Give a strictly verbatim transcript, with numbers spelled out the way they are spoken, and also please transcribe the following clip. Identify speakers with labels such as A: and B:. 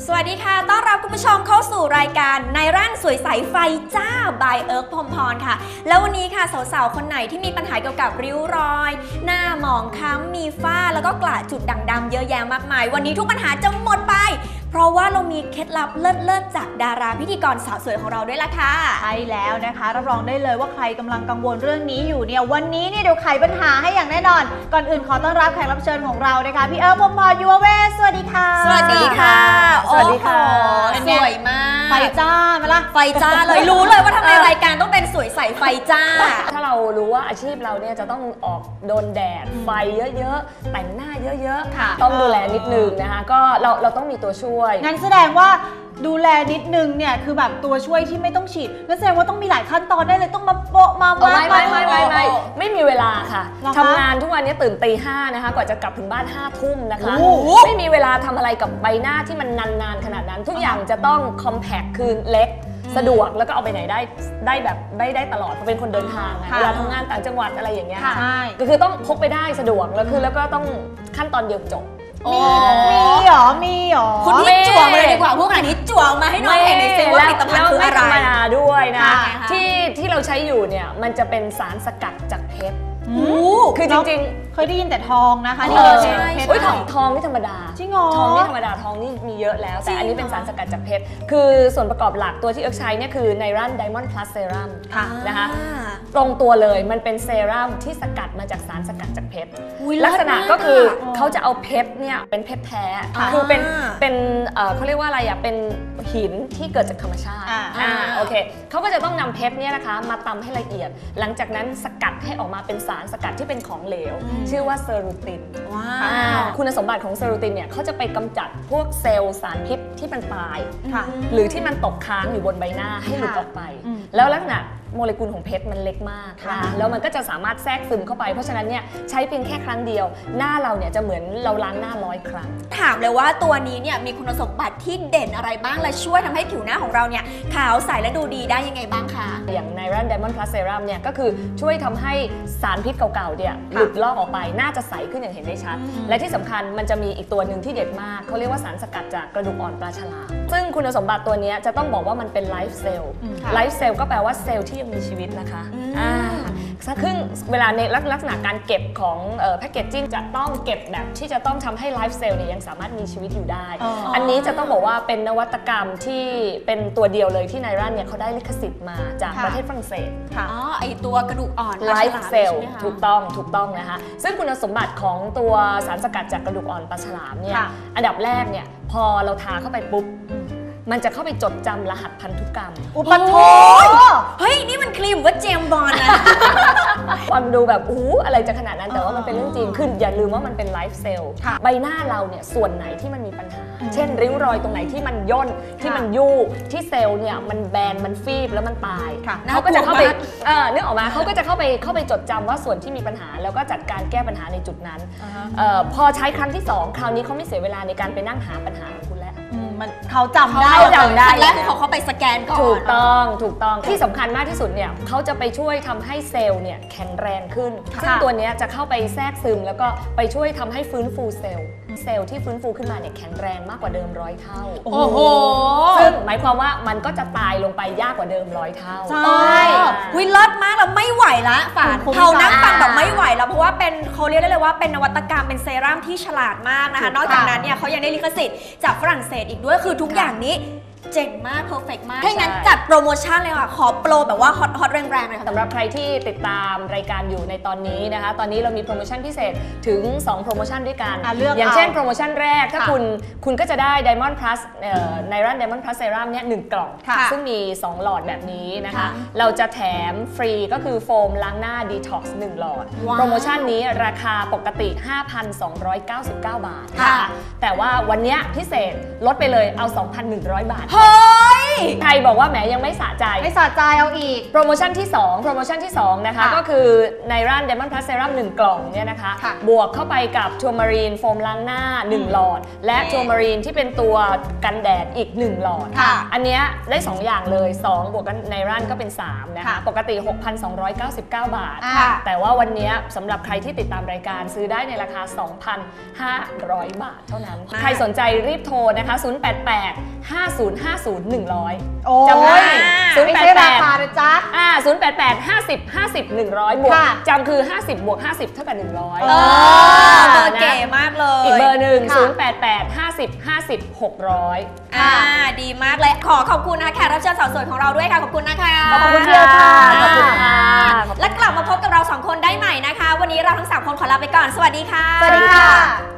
A: สวัสดีค่ะต้อนรับคุณผู้ชมเข้าสู่รายการในร่านสวยใสไฟจ้า by เอิร์กพรหมพรค่ะแล้ววันนี้ค่ะสาวๆคนไหนที่มีปัญหาเกี่ยวกับริ้วรอยหน้าหมองคล้ำมีฝ้าแล้วก็กระจุดด่างดำเยอะแยะมากมายวันนี้ทุกปัญหาจะหมดไปเพราะว่าเรามีเคล็ดลับเลิศๆจากดาราพิธีกรสาวสวยของเราด้วยล่ะค่ะ
B: ใช่แล้วนะคะรับรองได้เลยว่าใครกำลังกังวลเรื่องนี้อยู่เนี่ยวันนี้เนี่ยเดี๋ยวไขปัญหาให้อย่างแน่นอนก่อนอื่นขอต้อนรับแขกรับเชิญของเรานะคะพี่เอิร์กพรหมพรยูเวสสวัสดีค่ะ
A: สวัสดีค่ะ
B: สวัสดีค่ะ
A: สวยมาก
B: ไฟจ้าไหมล่ะ
A: ไฟจ้าเลยรู้เลยว่าทำไมรายการต้องเป็นสวยใสไฟจ้า
C: ถ้าเรารู้ว่าอาชีพเราเนี่ยจะต้องออกโดนแดดไฟเยอะๆแต่งหน้าเยอะๆต้องดูแลนิดนึงนะคะก็เราเราต้องมีตัวช่วย
B: งั้นแสดงว่าดูแลนิดนึงเนี่ยคือแบบตัวช่วยที่ไม่ต้องฉีดนั่นแสดงว่าต้องมีหลายขั้นตอนได้เลยต้องมาโปะมา
C: ไม่ไม่ไม่ไม่ไม่ไม่มีเวลาค่ะทำงานทุกวันนี้ตื่นตีห้านะคะกว่าจะกลับถึงบ้านห้าทุ่มนะคะไม่มีเวลาทำอะไรกับใบหน้าที่มันนานๆขนาดนั้นทุกอย่างจะต้องคอมแพคคือเล็กสะดวกแล้วก็เอาไปไหนได้ได้แบบได้ได้ตลอดเพราะเป็นคนเดินทางเวลาทำงานต่างจังหวัดอะไรอย่างเงี้ยก็คือต้องพกไปได้สะดวกแล้วคือแล้วก็ต้องขั้นตอนเดียวจบ
B: มีมีหรอมีหรอ
A: คุณนี่จั่วมาเลยดีกว่าพวกอันนี้จั่วมาให้น้องเห็นในเซลล์ว่าผลิตภัณฑ์คืออะไร
C: ไม่ธรรมดาด้วยนะที่ที่เราใช้อยู่เนี่ยมันจะเป็นสารสกัดจากเพชรคือจริงๆ
B: เคยได้ยินแต่ทองนะคะ
C: นี่ใช่เพชรทองทองนี่ธรรมดา
B: จริงเหรอ
C: ทองนี่ธรรมดาทองนี่มีเยอะแล้วแต่อันนี้เป็นสารสกัดจากเพชรคือส่วนประกอบหลักตัวที่เอิร์กใช้เนี่ยคือไนรันไดมอนด์พลัสเซรั่มนะคะตรงตัวเลยมันเป็นเซรั่มที่สกัดมาจากสารสกัดจากเพชรลักษณะก็คือเขาจะเอาเพชรเนี่ยเป็นเพชรแท้คือเป็นเป็นเขาเรียกว่าอะไรอ่ะเป็นหินที่เกิดจากธรรมชาติอ่าโอเคเขาก็จะต้องนำเพชรเนี่ยนะคะมาตำให้ละเอียดหลังจากนั้นสกัดให้ออกมาเป็นสารสกัดที่เป็นของเหลวชื่อว่าเซรูตินคุณสมบัติของเซรูตินเนี่ยเขาจะไปกำจัดพวกเซลล์สารพิษที่มันตายหรือที่มันตกค้างอยู่บนใบหน้าให้หลุดออกไปแล้วลักษณะโมเลกุลของเพชรมันเล็กมากนะคะแล้วมันก็จะสามารถแทรกซึมเข้าไปเพราะฉะนั้นเนี่ยใช้เพียงแค่ครั้งเดียวหน้าเราเนี่ยจะเหมือนเราล้างหน้าร้อยครั้ง
A: ถามเลยว่าตัวนี้เนี่ยมีคุณสมบัติที่เด่นอะไรบ้างและช่วยทำให้ผิวหน้าของเราเนี่ยขาวใสและดูดีได้ยังไงบ้างคะ
C: อย่างไนรันไดมอนด์พลัสเซรั่มเนี่ยก็คือช่วยทำให้สารพิษเก่าๆเนี่ยหลุดลอกออกไปหน้าจะใสขึ้นอย่างเห็นได้ชัดและที่สำคัญมันจะมีอีกตัวหนึ่งที่เด็ดมากเขาเรียกว่าสารสกัดจากกระดูกอ่อนปลาฉลามซึ่งคุณสมบัติตัวนี้จะต้องบอกว่ามันเป็นไลฟ์เซลล์ไลฟ์เซลล์ก็แปลว่าเซลล์ที่ยังมีชีวิตนะคะอ่าซึ่งเวลาในลักษณะการเก็บของแพคเกจจิ้งจะต้องเก็บแบบที่จะต้องทำให้ไลฟ์เซลล์เนี่ยยังสามารถมีชีวิตอยู่ได้ อ, อันนี้จะต้องบอกว่าเป็นนวัตกรรมที่เป็นตัวเดียวเลยที่ไนรันเนี่ยเขาได้ลิขสิทธิ์มาจากประเทศฝรั่งเศส
A: อ๋อไอตัวกระดูกอ่อน
C: ไลฟ์เซลล์ถูกต้องถูกต้องนะคะซึ่งคุณสมบัติของตัวสารสกัดจากกระดูกอ่อนปลาฉลามเนี่ยอันดับแรกเนี่ยพอเราทาเข้าไปปุ๊บมันจะเข้าไปจดจำรหัสพันธุกรรม
B: อุปโภค
A: เฮ้ยนี่มันครีมว่าเจมบอลนะ
C: ฟังดูแบบอู้อะไรจะขนาดนั้นแต่ว่ามันเป็นเรื่องจริงขึ้นอย่าลืมว่ามันเป็นไลฟ์เซลล์ใบหน้าเราเนี่ยส่วนไหนที่มันมีปัญหาเช่นริ้วรอยตรงไหนที่มันย่นที่มันยู่ที่เซลล์เนี่ยมันแบนมันฟีบแล้วมันตายเขาก็จะเข้าไปเออนึกออกมาเขาก็จะเข้าไปเข้าไปจดจำว่าส่วนที่มีปัญหาแล้วก็จัดการแก้ปัญหาในจุดนั้นพอใช้ครั้งที่สองคราวนี้เขาไม่เสียเวลาในการไปนั่งหาปัญหาของคุณแล้ว
B: มันเขาจำได้
A: จำได้แล้วเขาเขาไปสแกนก่อน
C: ถูกต้องถูกต้องที่สำคัญมากที่สุดเนี่ยเขาจะไปช่วยทำให้เซลล์เนี่ยแข็งแรงขึ้นซึ่งตัวนี้จะเข้าไปแทรกซึมแล้วก็ไปช่วยทำให้ฟื้นฟูเซลล์เซลล์ที่ฟื้นฟูขึ้นมาเนี่ยแข็งแรงมากกว่าเดิมร้อยเท่า
A: โอ้โห
C: ซึ่งหมายความว่ามันก็จะตายลงไปยากกว่าเดิมร้อยเท่า
A: ใช่วิลล์มากแล้วไม่ไหวละฝานเขานั่งฟังแบบไม่ไหวแล้วเพราะว่าเป็นเขาเรียกได้เลยว่าเป็นนวัตกรรมเป็นเซรั่มที่ฉลาดมากนะคะนอกจากนั้นเนี่ยเขายังได้ลิขสิทธิ์จากฝรั่งเศสอีกด้วยคือทุกอย่างนี้เจ๋งมากเพอร์เฟกต์มากถ้างั้นจัดโปรโมชั่นเลยค่ะขอโปรแบบว่าฮอตฮอตแรงๆเลยค่ะ
C: สำหรับใครที่ติดตามรายการอยู่ในตอนนี้นะคะตอนนี้เรามีโปรโมชั่นพิเศษถึงสองโปรโมชั่นด้วยกันอย่างเช่นโปรโมชั่นแรกถ้าคุณคุณก็จะได้ Diamond Plus ไนรัน Diamond Plus Serum เนี่ยหนึ่งกล่องซึ่งมีสองหลอดแบบนี้นะคะเราจะแถมฟรีก็คือโฟมล้างหน้า Detox หนึ่งหลอดโปรโมชั่นนี้ราคาปกติ ห้าพันสองร้อยเก้าสิบเก้า บาทแต่ว่าวันนี้พิเศษลดไปเลยเอา สองพันหนึ่งร้อย บาท
A: เฮ้ย
C: ใครบอกว่าแหมยังไม่สะใจ
B: ไม่สะใจเอาอีก
C: โปรโมชั่นที่สองโปรโมชั่นที่สองนะคะ
B: ค่ะ
C: ก็คือในร้าน Diamond Plus Serum หนึ่งกล่องเนี่ยนะคะ
B: ค่ะ
C: บวกเข้าไปกับทัวร์มารีนโฟมล้างหน้าหนึ่งหลอด และทัวร์มารีนที่เป็นตัวกันแดดอีกหนึ่งหลอด
B: ค่ะ
C: อันเนี้ยได้สองอย่างเลยสองบวกกันในร้านก็เป็นสามนะคะ
B: ค่ะ
C: ปกติ หกพันสองร้อยเก้าสิบเก้า บาท
B: อ่า
C: แต่ว่าวันเนี้ยสำหรับใครที่ติดตามรายการซื้อได้ในราคา สองพันห้าร้อย บาทเท่านั้น
A: มาก
C: ใครสนใจรีบโทรนะคะ ศูนย์ แปด แปด ห้า ศูนย์ ห้า ศูนย์ หนึ่ง ศูนย์
B: โอ้
C: จำได้
B: ย
C: ศูนย์
B: ไม่
C: แปด
B: ใช่
C: แป
B: รา
C: ด
B: คานะจ๊ะ
C: อ่าศูนย์ แปด แปด ห้า ศูนย์ ห้า ศูนย์ หนึ่ง ศูนย์ บวก
B: ค่ะ
C: จำคือ ห้าสิบ บวก ห้าสิบ เท่ากับ หนึ่งร้อย
B: เอ
A: เออเบอร์
C: นะ
A: เก๋มากเลย
C: อีกเบอร์หนึ่ง
B: ค่ะ
C: ศูนย์ แปด แปด ห้า ศูนย์ ห้า ศูนย์ หก ศูนย์
A: อ่าดีมากเลยขอขอบคุณนะคะแขกรับเชิญสาวสวยของเราด้วยค่ะขอบคุณนะคะ
C: ขอบคุณ
B: เดียวค่ะ
C: ขอบคุณค่ะ
A: และกลับมาพบกับเราสองคนได้ใหม่นะคะ วันนี้เราทั้งสามคนขอลาไปก่อนสวัสดีค่ะ
B: สวัสดีค่ะ